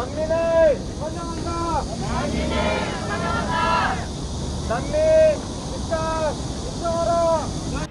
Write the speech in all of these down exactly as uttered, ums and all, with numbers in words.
난민을 환영한다. 난민을 환영한다. 난민 입장 신청하라.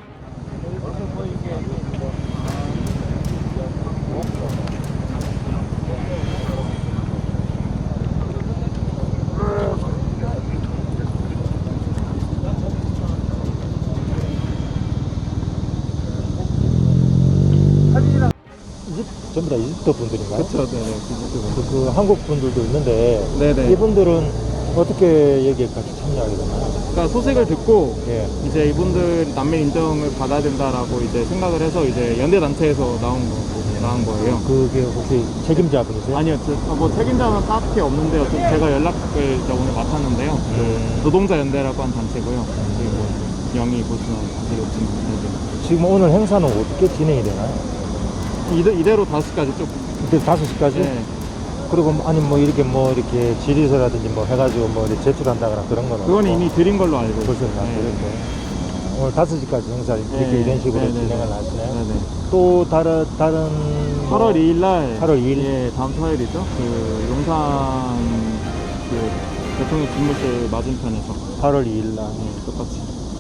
전부 다 이집트 분들인가요? 그렇죠, 네, 네. 그, 그 한국 분들도 있는데 네네. 이분들은 어떻게 여기에 같이 참여하게 되나요? 그러니까 소식을 듣고 예. 이제 이분들 난민 인정을 받아야 된다라고 이제 생각을 해서 이제 연대 단체에서 나온 거 나온 거예요. 그게 혹시 책임자분이세요? 아니요, 저, 어, 뭐 책임자는 딱히 없는데요. 좀 제가 연락을 이제 오늘 맡았는데요. 음. 그 노동자 연대라고 한 단체고요. 그리고 영이 보시면 아시겠지만 네. 지금 오늘 행사는 어떻게 진행이 되나요? 이대, 이대로 다섯 시까지 쭉. 이제 다섯 시까지? 네. 그리고 아니 뭐 이렇게 뭐 이렇게 질의서라든지 뭐 해가지고 뭐 이렇게 제출한다거나 그런 거는 그건 없고? 이미 드린 걸로 알고 있어요. 벌써 다 네. 드렸고 오늘 다섯 시까지 행사 이렇게 네. 이런 식으로 네, 네, 진행을 네. 하시네요. 네네. 또 다른 다른 뭐 팔월 이일 날. 팔월 이일? 예, 다음 토요일이죠. 그 용산 그 대통령 집무실 맞은편에서. 팔월 이일 날 네, 똑같이.